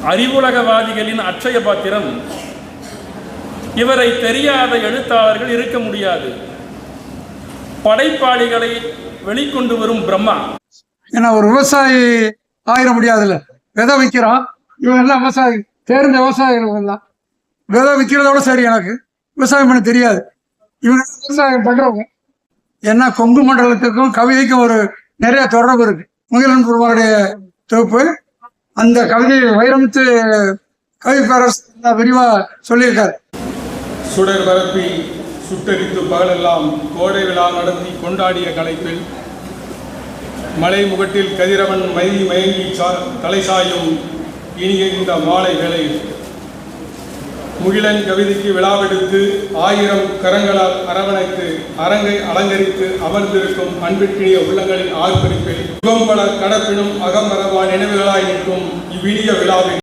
அறிவுலகவாதிகளின் அட்சய பாத்திரம். இவரை தெரியாத எழுத்தாளர்கள் இருக்க முடியாது. படைப்பாளிகளை வெளிக்கொண்டு வரும் பிரம்மா. ஏன்னா ஒரு விவசாயி ஆயிட முடியாதுல்ல. விதை விற்கிறான், இவங்க எல்லாம் விவசாயி, தேர்ந்த விவசாயிகள் எல்லாம். விதை விற்கிறதோட சரி, எனக்கு விவசாயம் பண்ண தெரியாது. இவங்க விவசாயம் பண்றவங்க. ஏன்னா கொங்கு மண்டலத்துக்கும் கவிதைக்கும் ஒரு நிறைய தொடர்பு இருக்கு. முகிலன் பெருமாளுடைய தொகுப்பு, அந்த கவிதை வைரமுத்து கவி பேரரசு விரிவா சொல்லியிருக்காரு. சுடர் பரப்பி சுட்டரித்து பகலெல்லாம் கோடை விழா நடத்தி கொண்டாடிய கலைப்பில் மலை முகட்டில் கதிரவன் மயங்கி தலை சாயும் இனிய இந்த மாலை வேளையில் முகிலன் கவிதைக்கு விழாவெடுத்து 1000 கரங்களால் அரவணைத்து அரங்கை அலங்கரித்து அமர்ந்திருக்கும் அன்பிற்கினிய உள்ளங்களின் ஆர்ப்பரிப்பில் யுகம் பல கடப்பினும் அகம்பரவா நினைவுகளாய் நிற்கும் இவ்வினிய விழாவில்